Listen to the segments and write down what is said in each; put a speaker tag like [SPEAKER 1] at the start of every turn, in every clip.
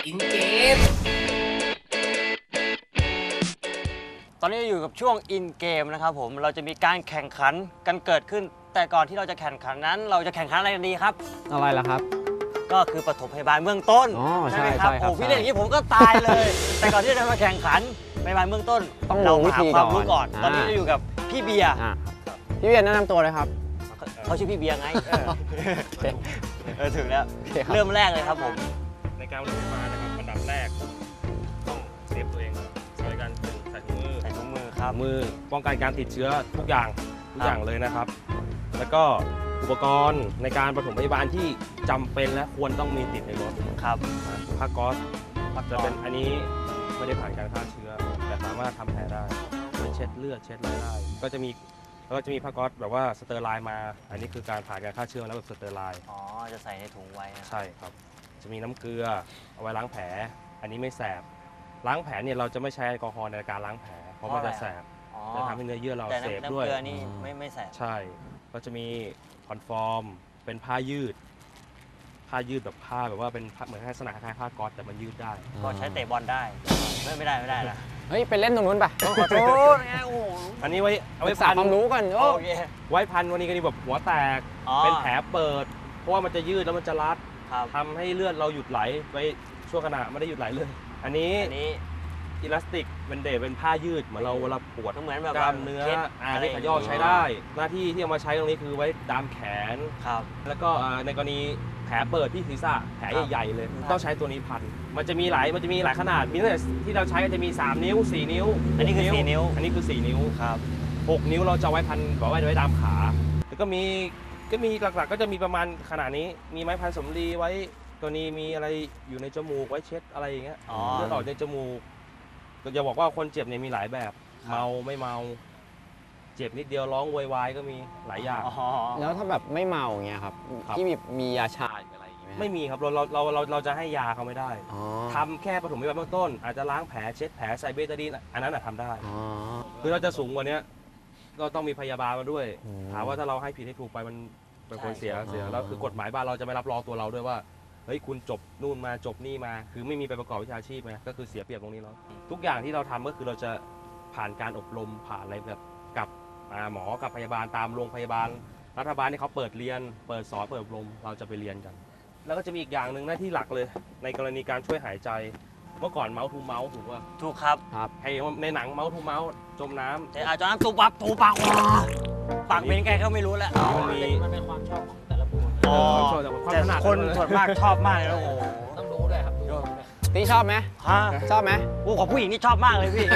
[SPEAKER 1] อินเกม
[SPEAKER 2] ตอนนี้อยู่กับช่วงอินเกมนะครับผมเราจะมีการแข่งขันกันเกิดขึ้นแต่ก่อนที่เราจะแข่งขันนั้นเราจะแข่งขันอะไรกันดีครับ
[SPEAKER 3] อะไรล่ะครับ
[SPEAKER 2] ก็คือปฐมพยาบาลเบื้องต้น
[SPEAKER 3] ใช่ไหม
[SPEAKER 2] ครับโอ้พี่เล่นอย่างนี้ผมก็ตายเลยแต่ก่อนที่จะมาแข่งขันพยาบาลเบื้องต้น
[SPEAKER 3] ต้อง
[SPEAKER 2] เรา
[SPEAKER 3] วิ
[SPEAKER 2] หา
[SPEAKER 3] ธี
[SPEAKER 2] ความรู้ก่อนตอนนี้เราอยู่กับพี่เบียร์
[SPEAKER 3] พี่เบียร์แนะนำตัวเลยครับ
[SPEAKER 2] เขาชื่อพี่เบียร์ไงถึงแล้วเริ่มแรกเลยครับผม
[SPEAKER 4] ในการปฐมพยาบาลนะครับอันดับแรกต้องเซฟตัวเองโดยการใส่ถุงมือ
[SPEAKER 2] ครับ
[SPEAKER 4] มือป้องกันการติดเชื้อทุกอย่างเลยนะครับ แล้วก็อุปกรณ์ในการปฐมพยาบาลที่จำเป็นและควรต้องมีติดในรถ
[SPEAKER 2] ครับ
[SPEAKER 4] ผ้าก๊อซจะเป็นอันนี้ไม่ได้ผ่านการฆ่าเชื้อแต่สามารถทำแผลได้เช็ดเลือดเช็ดอะไรได้ก็จะมีผ้าก๊อซแบบว่าสเตอร์ไลน์มาอันนี้คือการผ่านการฆ่าเชื้อแล้วแบบสเตอร์ไลน์
[SPEAKER 2] จะใส่ในถุงไว้
[SPEAKER 4] ใช่ครับจะมีน้ำเกลือเอาไว้ล้างแผลอันนี้ไม่แสบล้างแผลเนี่ยเราจะไม่ใช้แอลกอฮอล์ในการล้างแผลเพราะมันจะแสบจะทำให้เนื้อเยื่อเราเสพด้วย
[SPEAKER 2] แต่น้ำเกลือนี่ไม่แสบ
[SPEAKER 4] ใช่ก็จะมีคอนฟอร์มเป็นผ้ายืดแบบผ้าแบบว่าเป็นเหมือนลักษณะคล้ายๆผ้าก๊อซแต่มันยืดได้
[SPEAKER 2] ก็ใช้เตะบอลได้ไม่ได้นะ
[SPEAKER 3] เฮ้ยไปเล่นตรงนู้นป่ะ
[SPEAKER 2] ขอโทษไงโอ้
[SPEAKER 4] อันนี้เอาไว้
[SPEAKER 3] พันความรู้กัน
[SPEAKER 4] ไว้พันวันนี้ก็นี่แบบหัวแตกเป็นแผลเปิดเพราะว่ามันจะยืดแล้วมันจะรัดทำให้เลือดเราหยุดไหลไปชั่วขณะไม่ได้หยุดไหลเลยอันนี้อิลาสติกเป็นผ้ายืดเหมือนเราเวลาปวด
[SPEAKER 2] เหมือนแบบ
[SPEAKER 4] กล้ามเนื้อที่ขย่อใช้ได้หน้าที่ที่เอามาใช้ตรงนี้คือไว้ดามแขนแล้วก็ในกรณีแผลเปิดที่ศีรษะแผลใหญ่ๆเลยต้องใช้ตัวนี้พันมันจะมีหลายขนาดมีตั้งแต่ที่เราใช้ก็จะมี3นิ้ว4นิ้ว
[SPEAKER 2] อันนี้คือ4นิ้ว
[SPEAKER 4] อันนี้คือ4นิ้ว
[SPEAKER 2] ครับ
[SPEAKER 4] 6นิ้วเราจะไว้พันบอกว่าไว้ดามขาแล้วก็มีหลักๆก็จะมีประมาณขนาดนี้มีไม้พันสำลีไว้ตัวนี้มีอะไรอยู่ในจมูกไว้เช็ดอะไรอย่างเงี้ยเลือดออกในจมูกก็จะบอกว่าคนเจ็บเนี่ยมีหลายแบบเมาไม่เมาเจ็บนิดเดียวร้องโวยวายก็มีหลายอย่าง
[SPEAKER 3] แล้วถ้าแบบไม่เมาอย่างเงี้ยครับที่มียาชาอะไรอย่างเงี้ย
[SPEAKER 4] ไม่มีครับเราจะให้ยาเขาไม่ได้ทำแค่ปฐมพยาบาลเบื้องต้นอาจจะล้างแผลเช็ดแผลใส่เบตาดีนอันนั้นทำได้คือเราจะสูงกว่านี้ก็ต้องมีพยาบาลมาด้วยถามว่าถ้าเราให้ผิดให้ถูกไปมันเป็นคนเสียแล้วคือกฎหมายบ้านเราจะไม่รับรองตัวเราด้วยว่าเฮ้ยคุณจบนู่นมาจบนี่มาคือไม่มีไปประกอบวิชาชีพไงก็คือเสียเปรียบตรงนี้แล้วทุกอย่างที่เราทำก็คือเราจะผ่านการอบรมผ่านอะไรแบบกับหมอกับพยาบาลตามโรงพยาบาลรัฐบาลที่เขาเปิดเรียนเปิดสอนเปิดอบรมเราจะไปเรียนกันแล้วก็จะมีอีกอย่างหนึ่งหน้าที่หลักเลยในกรณีการช่วยหายใจเมื่อก่อนเมาส์ทูเมาส์ถูกป่ะ
[SPEAKER 2] ถูกครับ
[SPEAKER 4] ให้ในหนังเมาส์ทูเมาส์จมน้ำ
[SPEAKER 2] แต่อาจจะน้ำตูปากปากเป็นไงก็ไม่รู้แล้ว
[SPEAKER 1] มันเป็นความชอบของแต่ละบุคคล
[SPEAKER 2] แต่คนส่วนมากชอบมากเลยโอ้โห
[SPEAKER 1] ต้องรู้ด้วยครับ
[SPEAKER 3] พี่ชอบไหมชอบไหม
[SPEAKER 2] ของผู้หญิงนี่ชอบมากเลยพี่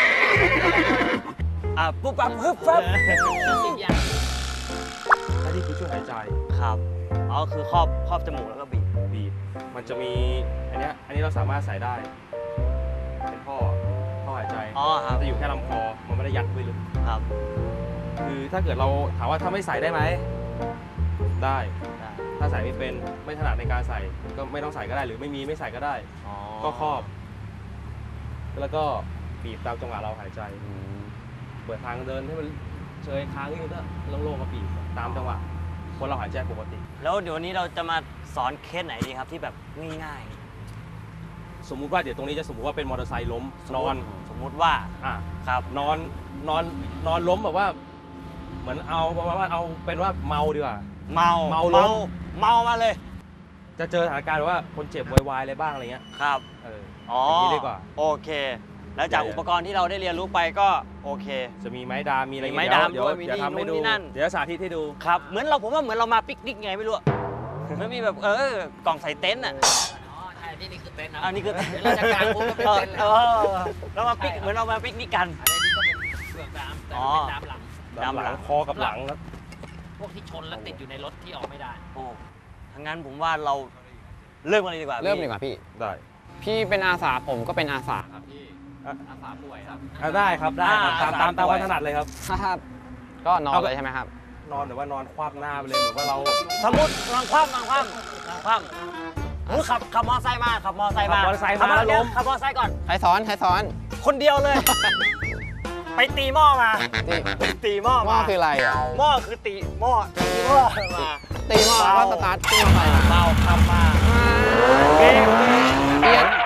[SPEAKER 2] ปุ๊บปั๊บฮึบปั๊บ
[SPEAKER 1] 10 อย่าง
[SPEAKER 4] อันนี้คือช่วยหายใจ
[SPEAKER 2] ครับคือครอบจมูกแล้วก็บีบ
[SPEAKER 4] มันจะมีอันนี้เราสามารถใส่ได้เป็นท่อหายใจจะอยู่แค่ลำคอมันไม่ได้ยัดไปลึก
[SPEAKER 2] ครับ
[SPEAKER 4] คือถ้าเกิดเราถามว่าถ้าไม่ใส่ได้ไหมได้ถ้าใส่ไม่เป็นไม่ถนัดในการใส่ก็ไม่ต้องใส่ก็ได้หรือไม่ใส่ก็ได้ก็ครอบแล้วก็บีบตามจังหวะเราหายใจเปิดทางเดินให้มันเฉยค้างนิดนึงก็โล่งๆก็บีบตามจังหวะคนเราหายใจปกติ
[SPEAKER 2] แล้วเดี๋ยวนี้เราจะมาสอนเคสไหนดีครับที่แบบง่าย
[SPEAKER 4] ๆสมมุติว่าเดี๋ยวตรงนี้จะสมมุติว่าเป็นมอเตอร์ไซค์ล้มนอน
[SPEAKER 2] สมมุติว่า
[SPEAKER 4] ครับนอนล้มแบบว่าเหมือนเอาเป็นว่าเมาดีกว่า
[SPEAKER 2] เมามาเลย
[SPEAKER 4] จะเจอสถานการณ์ว่าคนเจ็บวายอะไรบ้างอะไรเงี้ย
[SPEAKER 2] ครับ
[SPEAKER 4] อย่างนี้ดีกว่า
[SPEAKER 2] โอเคแล้วจากอุปกรณ์ที่เราได้เรียนรู้ไปก็โอเค
[SPEAKER 4] จะมีไม้ดามมีอะไร
[SPEAKER 2] ไม้ดามด้วยมี
[SPEAKER 4] ทำให้ดูเดี๋ยวสาธิตให้ดู
[SPEAKER 2] ครับผมว่าเหมือนเรามาปิกนิกไงไม่รู้มันมีแบบกล่องใส่เต็นท์
[SPEAKER 1] ใช่นี่คือเต็นท์นะ
[SPEAKER 2] นี่คือ
[SPEAKER 1] เราจะกางมุ้งก็เป็นเต็นท์
[SPEAKER 2] เรามาปิกเหมือนเรามาปิกนิกกัน
[SPEAKER 1] อันนี้ก็เป็นเปลือกดามแต่เป็นดามหลัง
[SPEAKER 4] คอกับหลังแล้ว
[SPEAKER 1] พวกที่ชนแล้วติดอยู่ในรถที่ออกไม่ได้
[SPEAKER 2] ทั้งนั้นผมว่าเราเริ่มกันเลยดีกว่า
[SPEAKER 3] พี่
[SPEAKER 4] ได้
[SPEAKER 3] พี่เป็นอาสาผมก็เป็นอาสาครับพี่
[SPEAKER 1] อาสาป่วยครับ
[SPEAKER 4] ได้ครับตามความถนัดเลยครับ
[SPEAKER 3] ก็นอนเลยใช่ไหมครับ
[SPEAKER 4] นอนหรือว่านอนคว่ำหน้าไปเลยหรือว่าเรา
[SPEAKER 2] สมมตินอนคว่ำขับมอไซค์มาขับมอไซค์มา
[SPEAKER 4] ขับมอไซค์มาล้ม
[SPEAKER 2] ขับมอไซค์ก่อน
[SPEAKER 3] ใครสอน
[SPEAKER 2] คนเดียวเลยไปตีหม้อมาตีหม้อมา
[SPEAKER 3] คืออะไร
[SPEAKER 2] หม้อคือตีหม้อมา
[SPEAKER 3] ตีหม้อก็สตาร์ทขึ้นมาไป
[SPEAKER 2] เมาขับมา
[SPEAKER 3] เปลี่ยน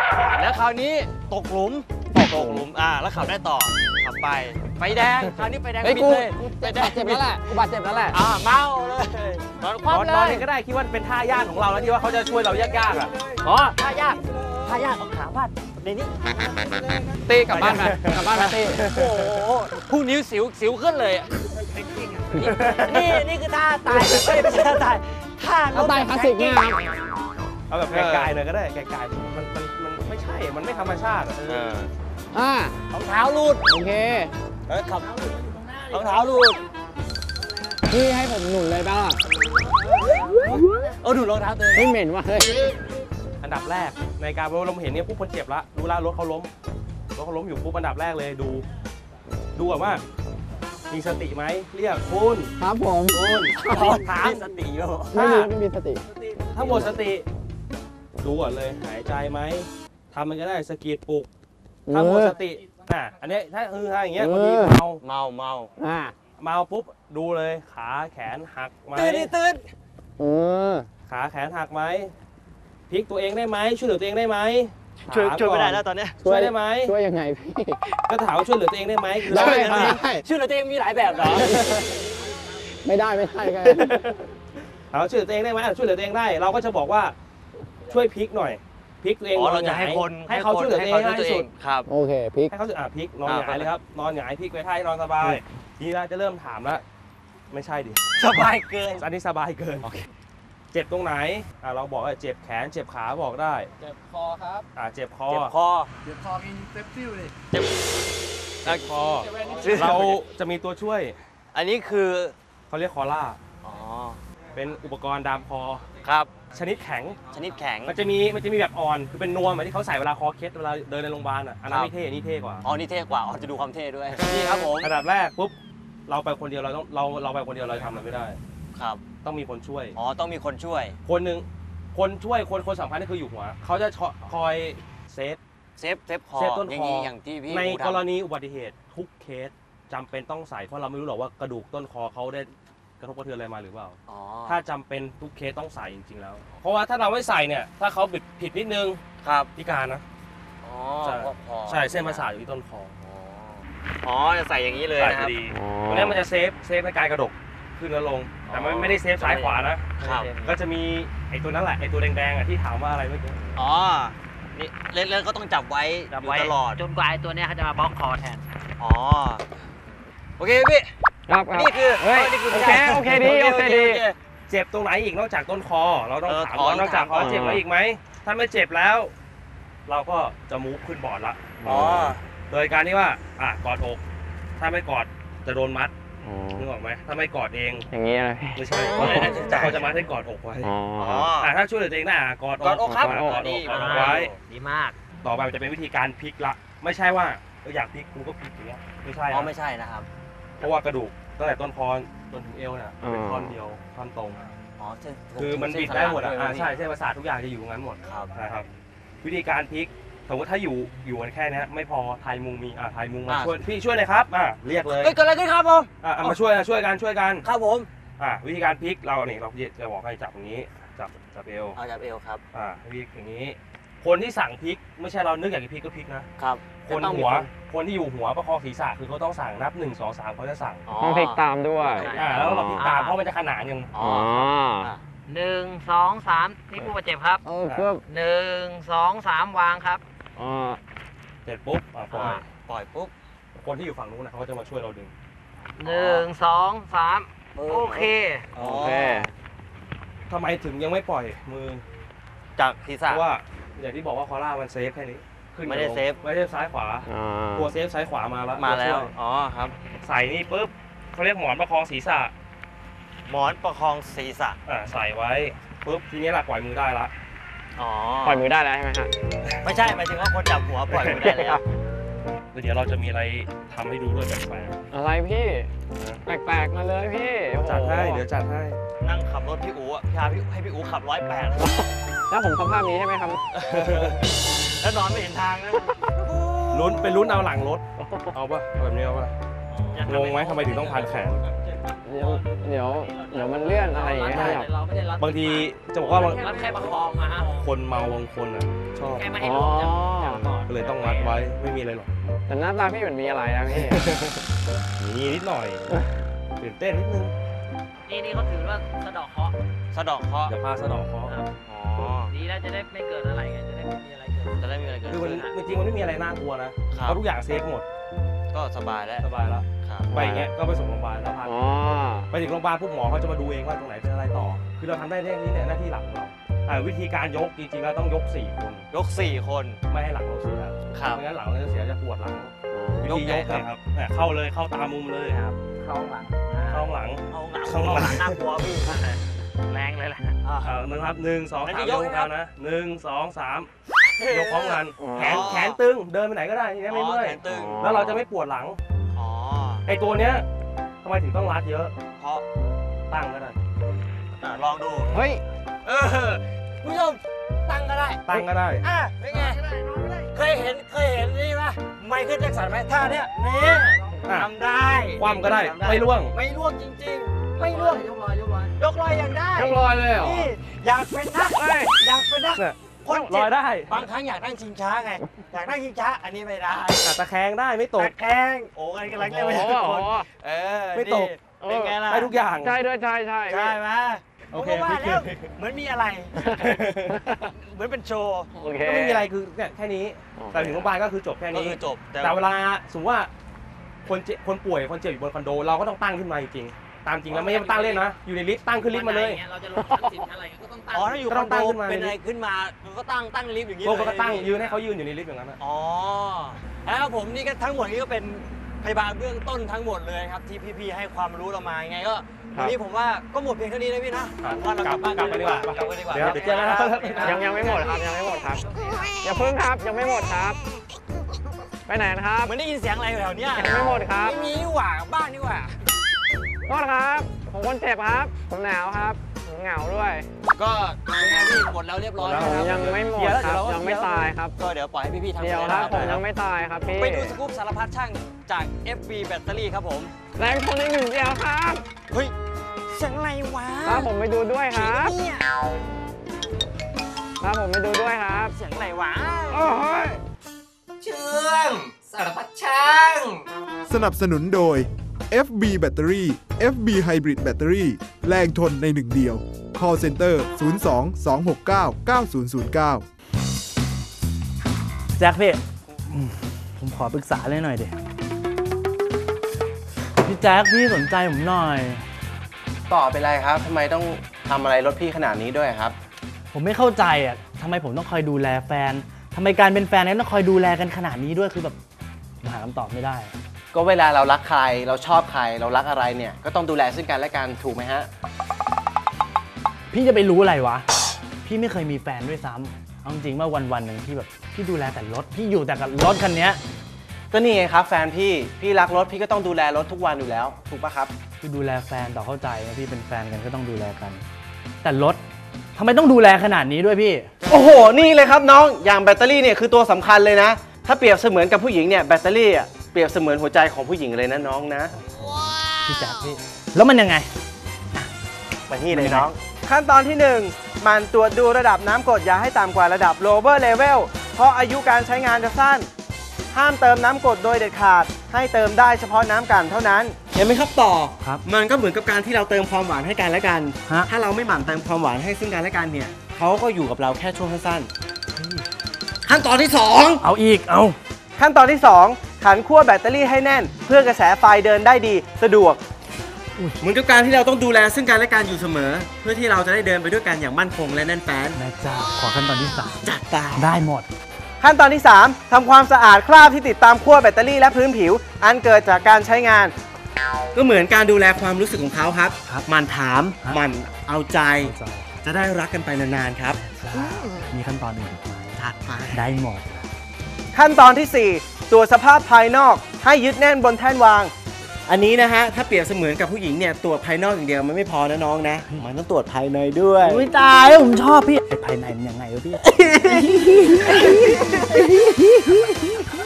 [SPEAKER 2] แล้วคราวนี้ตกหลุมแล้วขับได้ต่อขับไปไฟแดงคราวนี้ไฟแดง
[SPEAKER 3] เฮ้ย
[SPEAKER 2] ปิด
[SPEAKER 3] กู
[SPEAKER 2] เลยไฟแด
[SPEAKER 3] บาง ดเจ็บแล้วแหละกูบาดเจ็บแล้วแหละ
[SPEAKER 2] เมาเลยนอนคว่ำเล
[SPEAKER 4] นอน
[SPEAKER 2] ย
[SPEAKER 4] เองก็ได้คิดว่าเป็นท่ายากของเราแล้วที่ว่าเขาจะช่วยเรายากๆอ่ะ
[SPEAKER 2] อ๋อท่ายากเอาขาพาดในนี้
[SPEAKER 3] ตีกลับบ้านไปกลับบ้านไปตี
[SPEAKER 2] โอ้โหผู้นิ้วสิวขึ้นเลยอะนี่คือท่าตายไม่ใช่ท่าตายท่า
[SPEAKER 3] เอาตายคลาสสิกเนี่ยครับ
[SPEAKER 4] เอาแบบไกลๆหน่อยก็ได้ไกลๆมันไม่ใช่มันไม่ธรรมชาติอะ
[SPEAKER 3] อ่าร
[SPEAKER 2] องเท้ารูด
[SPEAKER 3] โอเค
[SPEAKER 2] ขับรองเท้ารูด
[SPEAKER 3] พี่ให้ผมหนุนเลยป่ะล่ะ
[SPEAKER 2] ดูรองเท้าตัวเอง
[SPEAKER 3] ไม่เหม็นว่ะเฮ้ย
[SPEAKER 4] อันดับแรกในการเราเห็นเนี่ยปุ๊บคนเจ็บละรู้แล้วรถเขาล้มอยู่ปุ๊บอันดับแรกเลยดูก่อนว่ามีสติไหมเรียกคุณ
[SPEAKER 3] ครับผม
[SPEAKER 2] ถามสติอยู่
[SPEAKER 3] ไม่มีสติ
[SPEAKER 4] ถ้าหมดสติดูก่อนเลยหายใจไหมทำมันก็ได้สะกิดปลุกถ้าหมดสติอันนี้ถ้าอย่างเงี้ยบางทีเมา
[SPEAKER 3] อ่า
[SPEAKER 4] เมาปุ๊บดูเลยขาแขนหักไหม
[SPEAKER 2] ตื่น
[SPEAKER 4] ขาแขนหักไหมพลิกตัวเองได้ไหมช่วยเหลือตัวเองได้ไหม
[SPEAKER 2] ช่วย
[SPEAKER 4] ถาก่อน
[SPEAKER 2] ไม่ได้แล้วตอนเนี้ย
[SPEAKER 4] ช่วยได้ไหม
[SPEAKER 3] ช่วยยังไงพี่
[SPEAKER 4] ก็ถามว่าช่วยเหลือตัวเองได้ไหมคือ
[SPEAKER 3] ได้
[SPEAKER 4] ช่วย
[SPEAKER 3] ได้
[SPEAKER 2] ช่วยเหลือตัวเองมีหลายแบบเหรอ
[SPEAKER 3] ไม่ได้กัน
[SPEAKER 4] ถามว่าช่วยเหลือตัวเองได้ไหมช่วยเหลือตัวเองได้ เราก็จะบอกว่าช่วยพลิกหน่อยพลิกตัวเอง
[SPEAKER 2] เราจะให้คน
[SPEAKER 4] ให้เขาช่วยเหลือตัวเองให้ที่สุด
[SPEAKER 2] ครับ
[SPEAKER 3] โอเคพลิก
[SPEAKER 4] ให้เขาพลิกนอนหงายเลยครับนอนหงายพลิกไปท่านอนสบายทีนี้เราจะเริ่มถามแล้วไม่ใช่ดิ
[SPEAKER 2] สบายเกิน
[SPEAKER 4] อันนี้สบายเกินเจ็บตรงไหนเราบอกว่าเจ็บแขนเจ็บขาบอกได้
[SPEAKER 1] เจ็บคอครับ
[SPEAKER 4] เจ็บคอ
[SPEAKER 2] เจ็บคอ
[SPEAKER 1] เจ็บคอกินเซฟซิลเลย
[SPEAKER 2] เจ็บ
[SPEAKER 4] คอเราจะมีตัวช่วย
[SPEAKER 2] อันนี้คือ
[SPEAKER 4] เขาเรียกคอล่า
[SPEAKER 2] อ๋อ
[SPEAKER 4] เป็นอุปกรณ์ดามคอ
[SPEAKER 2] ครับ
[SPEAKER 4] ชนิดแข็ง
[SPEAKER 2] ชนิดแข็ง
[SPEAKER 4] มันจะมีแบบอ่อนคือเป็นนวมเหมือนที่เขาใส่เวลาคอเคสเวลาเดินในโรงพยาบาลอ่ะอันนั้นไม่เท่นี่เท่กว่า
[SPEAKER 2] อ๋อนี่เท่กว่าอ๋อจะดูความเท่ด้วย นี่ครับผม
[SPEAKER 4] อันดับแรกปุ๊บเราไปคนเดียวเราไปคนเดียวเราทำอะไรไม่ได้
[SPEAKER 2] ครับ
[SPEAKER 4] ต้องมีคนช่วย
[SPEAKER 2] อ๋อต้องมีคนช่วย
[SPEAKER 4] คนหนึ่งคนช่วยคนสำคัญก็คืออยู่หัวเขาจะคอยเซฟ
[SPEAKER 2] เซฟคอ
[SPEAKER 4] เซฟต้นคอ
[SPEAKER 2] อย่างนี้อย่างที่พี่
[SPEAKER 4] ใน
[SPEAKER 2] อู๋ทำ
[SPEAKER 4] กรณีอุบัติเหตุทุกเคสจำเป็นต้องใส่เพราะเราไม่รู้หรอกว่ากระดูกต้นคอเขาได้กระทบกระเทือนอะไรมาหรือเปล่า
[SPEAKER 2] อ๋อ
[SPEAKER 4] ถ้าจำเป็นทุกเคสต้องใส่จริงๆแล้ว เพราะว่าถ้าเราไม่ใส่เนี่ยถ้าเขาผิดนิดนึง
[SPEAKER 2] ครับ
[SPEAKER 4] พิการนะ
[SPEAKER 2] อ๋อ
[SPEAKER 4] ใช่
[SPEAKER 2] พวกคอ
[SPEAKER 4] ใช่เส้นประสาทอยู่ที่ต้นคอ
[SPEAKER 2] อ๋อจะใส่อย่างนี้เลย
[SPEAKER 4] ใส่
[SPEAKER 2] นะค
[SPEAKER 4] พ
[SPEAKER 2] รั
[SPEAKER 4] อบ ดีตรงนี้มันจะเซฟในการกระดกขึ้นแล้วลง แต่มันไม่ได้เซฟซ้ายขวานะครับ ก็จะมีไอ้ตัวนั้นแหละไอ้ตัวแดงๆอ่ะที่ถามว่าอะไรเมื่อกี้
[SPEAKER 2] อ๋อนี่เล่นๆก็ต้องจับไว้อยู่ตลอด
[SPEAKER 1] จนกว่าไอ้ตัวเนี้ยเขาจะมาบล็อกคอแทน
[SPEAKER 2] อ๋อโอเคพี่
[SPEAKER 3] ครับ
[SPEAKER 2] นี่คือ
[SPEAKER 3] เฮ้ย
[SPEAKER 2] นี่คือ
[SPEAKER 3] โอเคดีโอเคดี
[SPEAKER 4] เจ็บตรงไหนอีกนอกจากต้นคอ เราต้องถาม
[SPEAKER 2] อ๋อ
[SPEAKER 4] ว่านอกจากคอ
[SPEAKER 2] ถามก่อน
[SPEAKER 4] เจ็บแล้วอีกไหมถ้าไม่เจ็บแล้ว เราก็จะมูฟขึ้นบอร์ดละ
[SPEAKER 2] อ๋อ
[SPEAKER 4] โดยการที่ว่ากอดอกถ้าไม่กอดจะโดนมัดนึกออกไหมถ้าไม่กอดเอง
[SPEAKER 3] อย่างนี้เลย
[SPEAKER 4] ไม่ใช่
[SPEAKER 2] อ๋อ
[SPEAKER 4] เขาจะมัดให้กอดอกไว้
[SPEAKER 3] อ๋อ
[SPEAKER 4] ถ้าช่วยเหลือตัวเองได้กอด
[SPEAKER 2] กอดอกครับ
[SPEAKER 4] กอด
[SPEAKER 2] นี่
[SPEAKER 4] อกไว้
[SPEAKER 1] ดีมาก
[SPEAKER 4] ต่อไปมันจะเป็นวิธีการพลิกละ ไม่ใช่ว่าอยากพลิกกูก็พลิกอย่างเงี้ยไม่ใช่
[SPEAKER 2] อ๋อ
[SPEAKER 4] นะ
[SPEAKER 2] ไม่ใช่นะครับ
[SPEAKER 4] เพราะว่ากระดูกตั้งแต่ต้นคอจนถึงเอวเนี่ยเป็นท่อนเดียวท่อนตรง
[SPEAKER 2] อ๋อเส้น
[SPEAKER 4] คือมันบิดได้หมดใช่เส้นประสาททุกอย่างจะอยู่ตรงนั้นหมด
[SPEAKER 2] ครับ
[SPEAKER 4] นะครับ วิธีการพลิกสมมติถ้าอยู่กันแค่นี้ไม่พอไทยมุงมีไทยมุงมาช่วยพี่ช่วยหน่อยครับเรียกเลย
[SPEAKER 2] เฮ้ยเกิดอะไรขึ้นครับผม
[SPEAKER 4] มาช่วยกัน
[SPEAKER 2] ครับผม
[SPEAKER 4] วิธีการพลิกเราจะบอกให้จับอย่างนี้จับเอว
[SPEAKER 2] เอาจับเอวครับ
[SPEAKER 4] พลิกอย่างนี้ คนที่สั่งพลิกไม่ใช่เรานึกอยากจะพลิกก็พลิกนะครับ คนที่อยู่หัวประคองศีรษะคือเขาต้องสั่งนับ1 2 3เขาจะสั่ง
[SPEAKER 3] ต้องพลิกตามด้วย
[SPEAKER 4] แล้วเราพลิกตามเพราะมันจะขนานยัง
[SPEAKER 2] อ๋อ
[SPEAKER 1] 1 2 3นี่ผู้บาดเจ็บครับ
[SPEAKER 3] ครับ
[SPEAKER 1] 1 2 3 วางครับ
[SPEAKER 4] เสร็จปุ๊บปล่อย
[SPEAKER 2] ปล่อยปุ๊บ
[SPEAKER 4] คนที่อยู่ฝั่งนู้นนะเขาก็จะมาช่วยเราดึง
[SPEAKER 1] 1 2 3 โอเค
[SPEAKER 3] โอเค
[SPEAKER 4] ทำไมถึงยังไม่ปล่อยมือ
[SPEAKER 2] จากศีร
[SPEAKER 4] เพ
[SPEAKER 2] ษะ
[SPEAKER 4] ราะว่าอย่างที่บอกว่าคอล่ามันเซฟแค่นี้ขึ้น
[SPEAKER 2] ไม่ได้
[SPEAKER 4] กับลง
[SPEAKER 2] เซฟ
[SPEAKER 4] ไม่ได้ซ้ายขวาตัวเซฟซ้ายขวามาแล้ว
[SPEAKER 2] มาแล้ว
[SPEAKER 4] ช่ย
[SPEAKER 2] อ๋อครับ
[SPEAKER 4] ใส่นี่ปุ๊บเขาเรียกหมอนประคองศีรษะ
[SPEAKER 2] หมอนประคองศีรษะ
[SPEAKER 4] ใส่ไว้ปุ๊บทีนี้หลักปล่อยมือได้ละ
[SPEAKER 2] อ๋อ
[SPEAKER 3] ปล่อยมือได้แล้วใช่ไหมฮะ
[SPEAKER 2] ไม่ใช่หมายถึงว่าคนจับหัวปล่อยมือได้แล้ว
[SPEAKER 4] เดี๋ยวเราจะมีอะไรทำให้ดูด้วยแปลก
[SPEAKER 3] อะไรพี่ แปลกๆมาเลยพี่
[SPEAKER 4] ๆจัดให้เดี๋ยวจัดให้
[SPEAKER 2] นั่งขับรถพี่อู๋อะให้พี่อู๋ขับ108
[SPEAKER 3] แล้วผมสภาพนี้ใช่ไหมครับ
[SPEAKER 2] แล้วนอนไม่เห็นทางนะ
[SPEAKER 4] ลุ้นเอาหลังรถเอาป่ะเอาแบบนี้เอาป่ะงงไหมทำไมถึงต้องพันแขน
[SPEAKER 3] เดี๋ยวมันเลื่อนอะไรอย่างเงี้ยครับ
[SPEAKER 1] เราไม่ได้รัด
[SPEAKER 4] บางทีจะบอกว่า
[SPEAKER 1] รัดแค่ประคองมาฮะ
[SPEAKER 4] คนเมาบางคนอ่ะชอบ
[SPEAKER 1] แค่ไม่ให้ลงจากก่อน
[SPEAKER 4] ก็เลยต้องมัดไว้ไม่มีอะไรหรอก
[SPEAKER 3] แต่หน้าตาพี่เหมือนมีอะไรนะพี่
[SPEAKER 4] มีนิดหน่อยตื่นเต้นนิดนึง
[SPEAKER 1] นี่เขาถือว่าสะดอกเคราะห์
[SPEAKER 2] สะเดอกเคราะห์
[SPEAKER 4] เดี๋ยวพาสะเดอกเคราะห์
[SPEAKER 1] ครับ
[SPEAKER 2] อ๋อ
[SPEAKER 1] ดีแล้วจะได้ไม่เกิดอะไรไงจะได้ไม่มีอะไรเกิด
[SPEAKER 2] จะได้มีอะไรเกิด
[SPEAKER 4] คือมัน
[SPEAKER 2] ขึ้น
[SPEAKER 4] จริงๆมันไม่มีอะไรน่ากลัวนะเพราะทุกอย่างเซฟหมด
[SPEAKER 2] ก็สบายแล้ว
[SPEAKER 4] สบายแล้ว
[SPEAKER 2] ครับ
[SPEAKER 4] ไปอย่างเงี้ยก็ไปส่งโรงพยาบาลแล้วพา
[SPEAKER 3] อ๋อ
[SPEAKER 4] ไปถึงโรงพยาบาลพวกหมอเขาจะมาดูเองว่าตรงไหนเป็นอะไรต่อ คือเราทำได้แค่นี้เนี่ยหน้าที่หลักของเราวิธีการยกจริงๆเราต้องยก4 คน
[SPEAKER 2] ยก 4 คน
[SPEAKER 4] ไม่ให้หลังเราเสีย
[SPEAKER 2] ครับ
[SPEAKER 4] ไม่งั้นหลังเราจะเสียจะปวดหลังวิ
[SPEAKER 2] ยก
[SPEAKER 4] ธี
[SPEAKER 2] ไง
[SPEAKER 4] ยก
[SPEAKER 2] ครับ
[SPEAKER 4] เนี่ยครับเนี่ยเข้าเลยเข้าตามุมเลยครับ
[SPEAKER 1] เข้าหลัง
[SPEAKER 4] เข้าหลัง
[SPEAKER 1] เอาหลัง
[SPEAKER 4] เข้าหลัง
[SPEAKER 1] น่ากลัวพี่แรงเลยแหละ
[SPEAKER 4] นะครับ1 2
[SPEAKER 2] อัน
[SPEAKER 4] 3
[SPEAKER 2] นี้
[SPEAKER 4] ย
[SPEAKER 2] ย
[SPEAKER 4] ก
[SPEAKER 2] ก
[SPEAKER 4] กันนะ1 2 3ยกพร้อมกันแขนตึงเดินไปไหนก็ได้ทีนี้ไม่เมื่อย
[SPEAKER 2] แขนตึง
[SPEAKER 4] แล้วเราจะไม่ปวดหลัง
[SPEAKER 2] อ๋อ
[SPEAKER 4] ไอ้ตัวเนี้ยทำไมถึงต้องรัดเยอะ
[SPEAKER 2] เพราะ
[SPEAKER 4] ตั้งก็ได้
[SPEAKER 2] ลองดู
[SPEAKER 3] เฮ้ย
[SPEAKER 2] คุณผู้ชมตั้งก็ได้
[SPEAKER 4] ตั้งก็ได้
[SPEAKER 2] เป็นไงเคยเห็นนี่ปะไมเคิลแจ็คสันไหมท่าเนี้ยนี่
[SPEAKER 4] อ่ะ
[SPEAKER 2] ทำได้
[SPEAKER 4] คว่ำก็ได้ไม่ร่วง
[SPEAKER 2] ไม่ร่วงจริงๆ ไม่ร่วงยกลอยยังได้
[SPEAKER 3] เรียบร้อยเลยเหรอ
[SPEAKER 2] นี่อยากเป็นนักอยากเป็นนัก
[SPEAKER 4] เนี่ย
[SPEAKER 2] คน
[SPEAKER 4] ล
[SPEAKER 2] เจ็
[SPEAKER 4] อย
[SPEAKER 2] บ
[SPEAKER 4] ได้
[SPEAKER 2] บางครั้งอยากนั่งชิงช้าไง อยากนั่งชิงช้า อันนี้ไม่ได้
[SPEAKER 4] ตะแคงได้ไม่ตก
[SPEAKER 2] ตะแคงโอ้ยกำลังจะไป
[SPEAKER 3] โอ้
[SPEAKER 2] ทุก
[SPEAKER 3] โห
[SPEAKER 2] คน
[SPEAKER 4] ไม่ตก
[SPEAKER 2] นี่เป็นไงล่ะ
[SPEAKER 4] ได้ทุกอย่าง
[SPEAKER 3] ใช่ด้วยใช่
[SPEAKER 2] ใช่ไหม
[SPEAKER 4] โอ
[SPEAKER 2] ผม
[SPEAKER 4] เค
[SPEAKER 2] ก็ว่า
[SPEAKER 4] พี่
[SPEAKER 2] แล้วเหมือนมีอะไร เหมือนเป็นโชว์
[SPEAKER 3] โอเค
[SPEAKER 4] ก็ไม่มีอะไรคือเนี่ยแค่นี้ แต่ถึงโรงพยาบาลก็คือจบแค่
[SPEAKER 2] ก็
[SPEAKER 4] นี้
[SPEAKER 2] คือจบ
[SPEAKER 4] แต่เวลาสมมติว่าคนป่วยคนเจ็บอยู่บนคอนโดเราก็ต้องตั้งขึ้นมาจริงๆตามจริงแล้วไม่ใช่ตั้งเล่นนะอยู่ในลิฟต์ตั้งขึ้นลิฟต์มาเลย
[SPEAKER 1] เราจะลงชั้น10ชั้นอะไรก็ต้องตั้ง
[SPEAKER 2] อ๋อถ้าอยู่ค
[SPEAKER 4] ก็ต้
[SPEAKER 2] อ
[SPEAKER 4] อน งตั้
[SPEAKER 2] โด
[SPEAKER 4] งขึ้นมา
[SPEAKER 2] เป็นอะไรขึ้นมามันก็ตั้งลิฟต์อย่างนี้
[SPEAKER 4] โล
[SPEAKER 2] เลย
[SPEAKER 4] กก็ตั้งยืนให้เขายืนอยู่ในลิฟต์อย่างนั้นนะ
[SPEAKER 2] อ๋อแล้วผมนี่ก็ทั้งหมดนี้ก็เป็นพยาบาลเบื้องต้นทั้งหมดเลยครับที่พี่ๆให้ความรู้เรามายังไงก็วันนี้ผมว่าก็หมดเพียงเท่านี้นะพี่นะว่าเรากลับบ้าน
[SPEAKER 4] กลับไปดีกว่า
[SPEAKER 2] กลับไปดีกว่า
[SPEAKER 4] เดี๋ยวเจอกันนะ
[SPEAKER 3] ยังไม่หมดครับยังไม่หมดครับอย่าเพิ่งครับยังไม่หมดครับ ไปไหนนะครับ
[SPEAKER 2] เหมือนได้ยินเสียงอะไรอยู่แถวเนี้ย
[SPEAKER 3] ยังไม่หมดครับ
[SPEAKER 2] ไม่มีนี่หว่าบ้านนี่หว่า
[SPEAKER 3] โทษครับผมคนเจ็บครับ ผมหนาวครับผมเหงาด้วย
[SPEAKER 2] ก็เป็นไงพี่หมดแล้วเรียบร้อย
[SPEAKER 4] หมดแล้ว
[SPEAKER 3] ผม
[SPEAKER 2] นะครับ
[SPEAKER 3] ยังไม่หมดครับยังไม่ตายครับ
[SPEAKER 2] ก็เดี๋ยวปล่อยให้พี่ๆทำ
[SPEAKER 3] เดี๋ยวครับผมยังไม่ตายครับพี่
[SPEAKER 2] ไปดูสกู๊ปสารพัดช่างจาก FB แบตเตอรี่ครับผม
[SPEAKER 3] แรงคนในหนึ่งเดียวครับ
[SPEAKER 2] เฮ้ยเสียงอะไรวะ
[SPEAKER 3] ครับผมไปดูด้วยครับ
[SPEAKER 2] เนี่ย
[SPEAKER 3] ครับผมไปดูด้วยครับ
[SPEAKER 2] เสียงอะไรวะ
[SPEAKER 3] โอ้ย
[SPEAKER 2] เชื่องสารพัดช่าง
[SPEAKER 5] สนับสนุนโดย FB แบตเตอรี่ FB Hybrid แบตเตอรี่แรงทนในหนึ่งเดียว Call Center 02-269-9009
[SPEAKER 6] แจ็คพี่ผมขอปรึกษาเลยหน่อยดิพี่แจ็คพี่สนใจผมหน่อย
[SPEAKER 7] ต่อเป็นไรครับ ทำไมต้องทำอะไรรถพี่ขนาดนี้ด้วยครับ
[SPEAKER 6] ผมไม่เข้าใจอ่ะทำไมผมต้องคอยดูแลแฟนทำไมการเป็นแฟนเนี่ยต้องคอยดูแลกันขนาดนี้ด้วยคือแบบผมหาคำตอบไม่ได้
[SPEAKER 7] ก็เวลาเรารักใคร เราชอบใคร เรารักอะไรเนี่ย ก็ต้องดูแลซึ่งกันและกันถูกไหมฮะ
[SPEAKER 6] พี่จะไปรู้อะไรวะ พี่ไม่เคยมีแฟนด้วยซ้ำเอาจริงๆว่าวันๆหนึ่งพี่แบบพี่ดูแลแต่รถพี่อยู่แต่กับรถคันเนี้ย
[SPEAKER 7] ก็นี่ไงครับแฟนพี่รักรถพี่ก็ต้องดูแลรถทุกวันอยู่แล้ว ถูกปะครับ
[SPEAKER 6] คือดูแลแฟนต่อเข้าใจนะพี่เป็นแฟนกันก็ต้องดูแลกัน แต่รถทำไมต้องดูแลขนาดนี้ด้วยพี่
[SPEAKER 7] โอ้โห นี่เลยครับน้อง อย่างแบตเตอรี่เนี่ยคือตัวสำคัญเลยนะ ถ้าเปรียบเสมือนกับผู้หญิงเนี่ยแบตเตอรี่อ่ะเปรียบเสมือนหัวใจของผู้หญิงเลยนะน้องนะ
[SPEAKER 6] พี่แจ็คพี่แล้วมันยังไง
[SPEAKER 7] มาที่เลยน้อง ขั้นตอนที่ 1 มันตรวจดูระดับน้ำกรดอย่าให้ต่ำกว่าระดับ lower level เพราะอายุการใช้งานจะสั้น ห้ามเติมน้ำกรดโดยเด็ดขาด ให้เติมได้เฉพาะน้ำกันเท่านั้น เห็นไหมครับต่อ
[SPEAKER 6] ครับ
[SPEAKER 7] มันก็เหมือนกับการที่เราเติมความหวานให้กันและกัน
[SPEAKER 6] ฮะ
[SPEAKER 7] ถ้าเราไม่หมั่นเติมความหวานให้ซึ่งกันและกันเนี่ยเขาก็อยู่กับเราแค่ช่วงสั้นๆขั้นตอนที่ 2
[SPEAKER 6] เอาอีกเอา
[SPEAKER 7] ขั้นตอนที่ 2 ขันขั้วแบตเตอรี่ให้แน่น เพื่อกระแสไฟเดินได้ดีสะดวก เหมือนกับการที่เราต้องดูแลซึ่งกันและกันอยู่เสมอ เพื่อที่เราจะได้เดินไปด้วยกันอย่างมั่นคงและแน่นแฟ้น
[SPEAKER 6] แม่เจ้าขอขั้นตอนที่
[SPEAKER 7] จัดไป
[SPEAKER 6] 3ได้หมด
[SPEAKER 7] ขั้นตอนที่ 3 ทำความสะอาดคราบที่ติดตามขั้วแบตเตอรี่และพื้นผิว อันเกิดจากการใช้งาน ก็เหมือนการดูแลความรู้สึกของเขาครับ
[SPEAKER 6] ครับ
[SPEAKER 7] หมันถาม
[SPEAKER 6] ครับ
[SPEAKER 7] หมันเอาใจ
[SPEAKER 6] เข้าใจ
[SPEAKER 7] จะได้รักกันไปนานๆครับ
[SPEAKER 6] มีขั้นตอนอื่นอีกไหม
[SPEAKER 7] ถัดไป
[SPEAKER 6] ได้หมด
[SPEAKER 7] ขั้นตอนที่ 4 ตรวจสภาพภายนอกให้ยึดแน่นบนแท่นวาง อันนี้นะฮะ ถ้าเปรียบเสมือนกับผู้หญิงเนี่ยตรวจภายนอกอย่างเดียวมันไม่พอนะน้องนะ มันต้องตรวจภายในด้วย
[SPEAKER 6] อุ้ยตายแล้วผมชอบพี่ไอ้ภายในมันยังไงวะพี่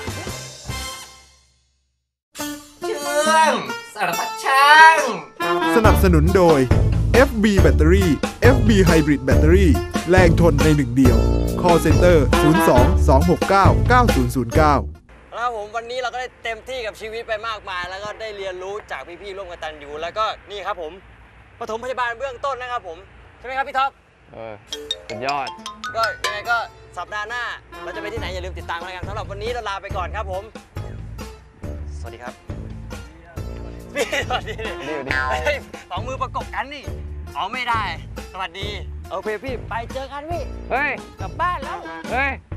[SPEAKER 2] เชื่องสารพัดช่าง
[SPEAKER 5] สนับสนุนโดย FB แบตเตอรี่ FB Hybrid แบตเตอรี่แรงทนในหนึ่งเดียว Call Center 02-269-9009
[SPEAKER 2] แล้วผมวันนี้เราก็ได้เต็มที่กับชีวิตไปมากมาย แล้วก็ได้เรียนรู้จากพี่ๆร่วมกตัญญูแล้วก็นี่ครับผมปฐมพยาบาลเบื้องต้นนะครับผมใช่ไหมครับพี่ท็อป
[SPEAKER 3] สุดยอด
[SPEAKER 2] ก็ยังไงก็สัปดาห์หน้าเราจะไปที่ไหนอย่าลืมติดตามกันสำหรับวันนี้เราลาไปก่อนครับผมสวัสดีครับพี่สวัสดีสองมือประกบกันนี่อ๋อไม่ได้สวัสดีโอเคพี่ไปเจอกันพี่
[SPEAKER 3] เฮ้ย
[SPEAKER 2] กลับบ้านแล้ว
[SPEAKER 3] เฮ้ย